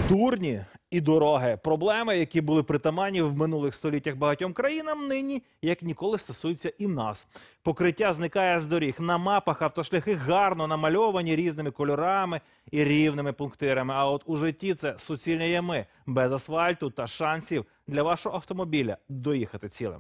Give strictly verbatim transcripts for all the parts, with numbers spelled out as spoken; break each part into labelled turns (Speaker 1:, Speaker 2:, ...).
Speaker 1: Дурні і дороги. Проблеми, які були притаманні в минулих століттях багатьом країнам, нині, як ніколи, стосуються і нас. Покриття зникає з доріг. На мапах автошляхи гарно намальовані різними кольорами і рівними пунктирами. А от у житті це суцільні ями, без асфальту та шансів для вашого автомобіля доїхати цілим.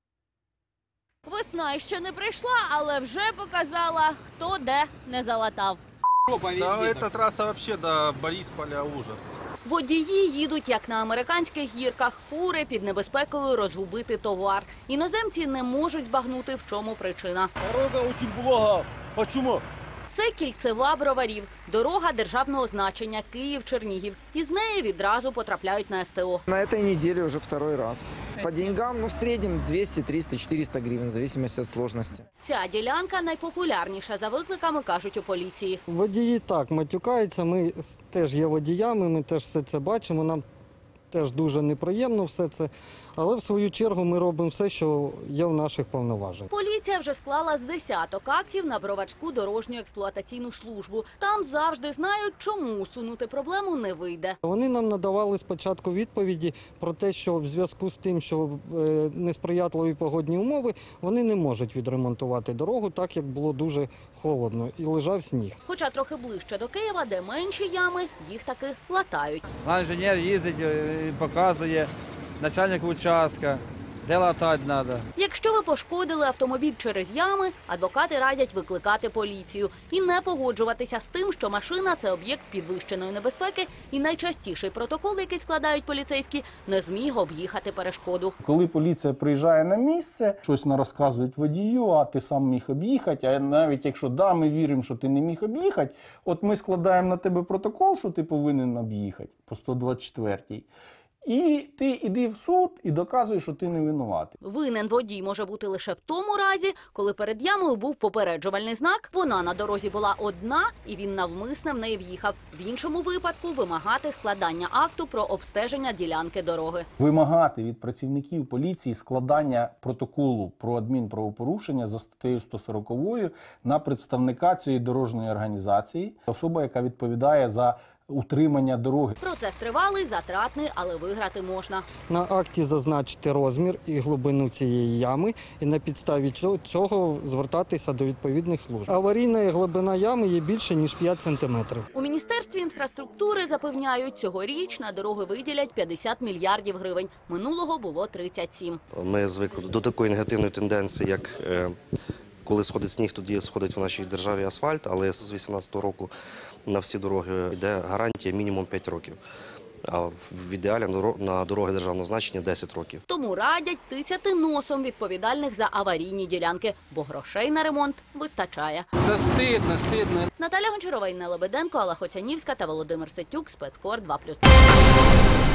Speaker 2: Весна ще не прийшла, але вже показала, хто де не залатав.
Speaker 3: Да, эта трасса вообще до Борисполя ужас.
Speaker 2: Водії їдуть, як на американських гірках, фури під небезпекою розгубити товар. Іноземці не можуть збагнути, в чому причина.
Speaker 4: Дорога очень блага. Почему?
Speaker 2: Це кільцева Броварів, дорога державного значення Київ-Чернігів. Із неї відразу потрапляють на ес те о.
Speaker 5: На этой неделе уже второй раз. По деньгам, ну, в среднем двести, триста, четыреста гривен, в зависимости от сложности.
Speaker 2: Ця ділянка найпопулярніша за викликами, кажуть у поліції.
Speaker 6: Водії так матюкаються, ми теж є водіями, ми теж все це бачимо, нам теж дуже неприємно все це, але в свою чергу ми робимо все, що є в наших повноваженнях.
Speaker 2: Поліція вже склала з десяток актів на Броварську дорожню експлуатаційну службу. Там завжди знають, чому усунути проблему не вийде.
Speaker 6: Вони нам надавали спочатку відповіді про те, що в зв'язку з тим, що е, несприятливі погодні умови, вони не можуть відремонтувати дорогу, так як було дуже холодно і лежав сніг.
Speaker 2: Хоча трохи ближче до Києва, де менші ями, їх таки латають.
Speaker 4: Наш інженер їздить і показує, начальник участка, де латати треба.
Speaker 2: Якщо ви пошкодили автомобіль через ями, адвокати радять викликати поліцію і не погоджуватися з тим, що машина – це об'єкт підвищеної небезпеки, і найчастіший протокол, який складають поліцейські, не зміг об'їхати перешкоду.
Speaker 7: Коли поліція приїжджає на місце, щось не розказують водію, а ти сам міг об'їхати, а навіть якщо да, ми віримо, що ти не міг об'їхати, от ми складаємо на тебе протокол, що ти повинен об'їхати по сто двадцять четвертій. І ти йди в суд і доказуєш, що ти не винуватий.
Speaker 2: Винен водій може бути лише в тому разі, коли перед ямою був попереджувальний знак, вона на дорозі була одна і він навмисне в неї в'їхав. В іншому випадку вимагати складання акту про обстеження ділянки дороги.
Speaker 7: Вимагати від працівників поліції складання протоколу про адмінправопорушення за статтею сто сорок на представника цієї дорожньої організації, особа, яка відповідає за утримання дороги.
Speaker 2: Процес тривалий, затратний, але виграти можна.
Speaker 6: На акті зазначити розмір і глибину цієї ями і на підставі цього звертатися до відповідних служб. Аварійна глибина ями є більше, ніж п'ять сантиметрів.
Speaker 2: У Міністерстві інфраструктури запевняють, цьогоріч на дороги виділять п'ятдесят мільярдів гривень. Минулого було тридцять сім.
Speaker 8: Ми звикли до такої негативної тенденції, як коли сходить сніг, тоді сходить в нашій державі асфальт, але з вісімнадцятого року на всі дороги йде гарантія мінімум п'ять років. А в ідеалі на дороги державного значення десять років.
Speaker 2: Тому радять тицяти носом відповідальних за аварійні ділянки, бо грошей на ремонт вистачає.
Speaker 3: Да стидно, стидно.
Speaker 2: Наталя Гончарова, Інна Лебеденко, Алла Хоцянівська та Володимир Сетюк, Спецкор два плюс два.